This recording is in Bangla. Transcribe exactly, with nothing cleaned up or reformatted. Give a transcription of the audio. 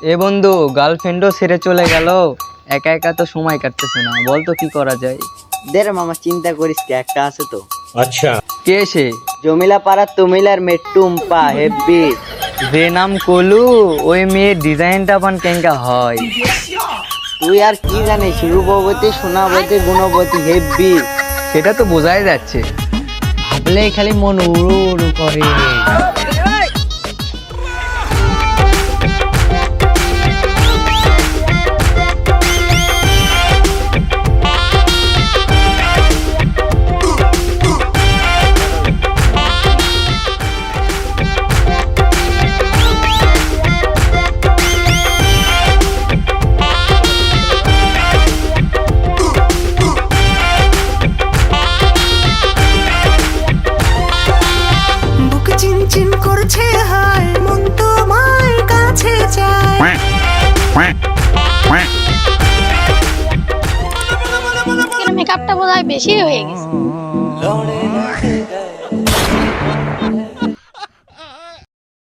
এ বন্ধু, গার্লফ্রেন্ডও ছেড়ে চলে গেল, একা একা তো সময় কাটতেছে না, বল তো কি করা যায়। দে রে মামা, চিন্তা করিস কি, একটা আছে তো। আচ্ছা, কে সে? জমিলা পাড়ার তুমিলার মেট্টুম্পা হেব্বি। যে নাম কলু, ওই মেয়ের ডিজাইনটা পান কেঙ্কা হয়। তুই আর কি জানিস, রূপবতী সোনাবতী গুণবতী হেব্বি। সেটা তো বোঝাই যাচ্ছে। ভাবলেই খালি মন উড়ু উড়ু করে। বুক চিনচিন করছে, হায় মন তোমার কাছে চায়। মেকআপটা বোধহয় বেশি হয়ে গেছে।